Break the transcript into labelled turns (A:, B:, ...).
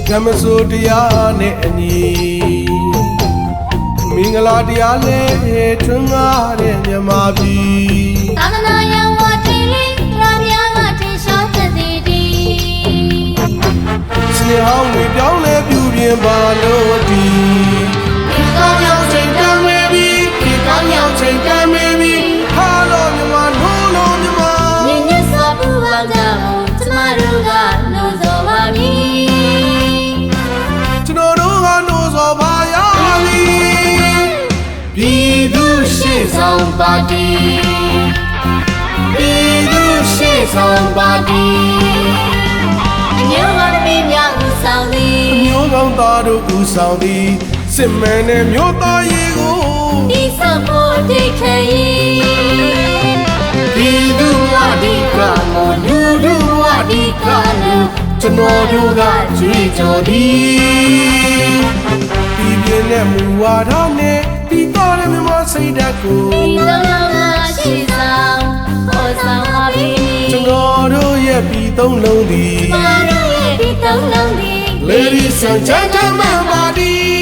A: ဓမ္မစိုးတရားနဲ့အညီမင်္ဂလာတရားလေးထွန်းကားတဲ့မြမပြည်
B: သာသနာယဝတိလေးသူရများကထင်ရှားသက်သေးသည်
A: စနေဟောင်းတွေပြောင်းလဲပြူပြင်ပါလို့ဒီကောင်းရောက်ချိန်တမ်းမေပြီကောင်းရောက်ချိန်တမ်းမေပြီဟာလို့မြမနိုးလို့မြမ
B: မြင့်မြတ်စွာဘုရားကြောင့်ကျမတို့ကနိုးစောပါမည်
A: ကျွန်တော်တို့ကနိုးစောပါရမည်ပြည်သူရှေ့ဆောင်ပါတီပြည်သူရှေ့ဆောင်ပါတီ
B: အမျိုးကောင်းသမီးများဦးဆောင်သည်
A: အမျိုးကောင်းသားတို့ဦးဆောင်သည်စစ်မှန်တဲ့မျိုးသားရေးကို
B: ဒီဆောင်ဖို့တိတ်ခဲ၏
A: ပြည်သူဝဒီကမောလူလူဝဒီကလူကျွန်တော်တို့ကကြွေးကြော်သည်ပြည်ပြင်းတဲ့မူဝါဒနဲ့ပြီးတော့တဲ့မြမစိတ်ဓာတ်ကို
B: ဒီလုံးလုံးကရှိဆောင်ပေါ်ဆောင်ပါပြီ
A: ကျွန်တော်တို့ရဲ့ပြည်သုံးလုံးသည်
B: ကျွန်တော်တို့ရဲ့ပြည်သုံးလုံးသည်
A: Ladies and gentlemen, body